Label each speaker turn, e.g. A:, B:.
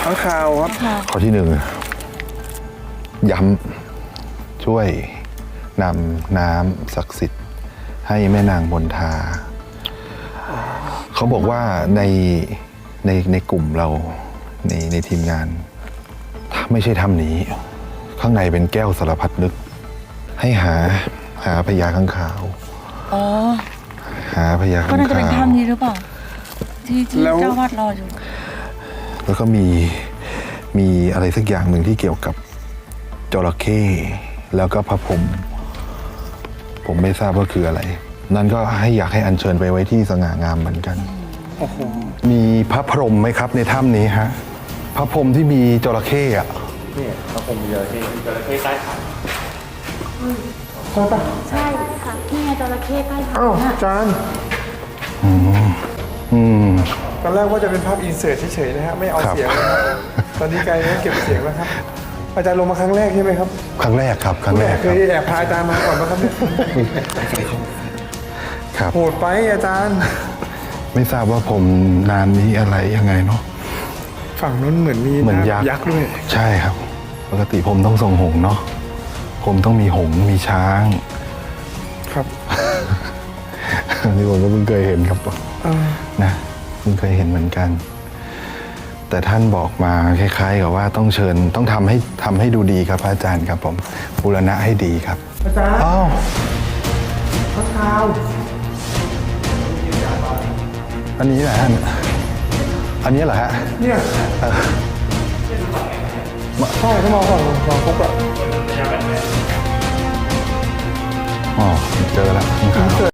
A: ข้างคาวครับ
B: ข้อที่ 1ย้ำช่วยนำน้ำศักดิ์สิทธิ์ให้แม่นางมนทาเขาบอกว่าในกลุ่มเราในทีมงานถ้าไม่ใช่ถ้ำนี้ข้างในเป็นแก้วสารพัดนึกให้หาพญาข้างขาว
C: อ๋อ
B: หาพญา
C: ก็
B: ข้าง
C: น่าจะเป็น
B: ขาว
C: ถ้ำนี้หรือเปล่าที่
A: แล้ว
C: เจ้าวาดรออยู่
B: แล้วก็มีอะไรสักอย่างหนึ่งที่เกี่ยวกับจระเข้แล้วก็พระพรหมผมไม่ทราบว่าคืออะไร นั่นก็อยากให้อัญเชิญไปไว้ที่สง่างามเหมือนกัน
A: โอ้โห
B: มีพระพรหมไหมครับในถ้ำนี้ฮะพระพรหมที่มีจระเข้อะ
D: นี่พระพรหมจระเข้จระเข้ใต้ฐาน
A: ใช่ปะ
C: ใช่ค่ะนี่ไงจระเข้ใต้ฐาน
A: อ้าวอาจารย์
B: อืม
A: ตอนแรกว่าจะเป็นภาพอินเสิร์ตเฉยๆนะฮะไม่เอา
B: ครับ
A: เสียงนะครับตอนนี้กลายเป็นเก็บเสียงแล้วครับ อาจารย์ลงมาครั้งแรกใช่ไหมครับ
B: ครั้งแรกครับครั้งแรก
A: เค
B: ครับ
A: ยแอบพาอาจารย์มาก่อนไหมครับเนี่ย
B: ครับ
A: โหดไปอาจารย์
B: ไม่ทราบว่าผมนานนี้อะไรยังไงเนาะ
A: ฝั่งนั้นเหมือนมี
B: เหมือน
A: น้ำ
B: ยักษ์
A: ยักษ์ด้วย
B: ใช่ครับ ปกติผมต้องทรงหงส์เนาะผมต้องมีหงส์มีช้าง
A: ครับ
B: นี่ผมก็เพิ่งเคยเห็นครับ
A: อ่า
B: นะเพิ่งเคยเห็นเหมือนกัน แต่ท่านบอกมาคล้ายๆกับว่าต้องเชิญต้องทำให้ดูดีครับพระอาจารย์ครับผมบูรณะให้ดีครับ
A: อาจารย์
B: อ้าว
A: ข้างคาว
B: อันนี้แหละฮะอันนี้เหรอฮะ
A: เนี่ยใช่ถ้ามองฝั่งฟุกอะ
B: อ๋อเจอแล้วข้างๆ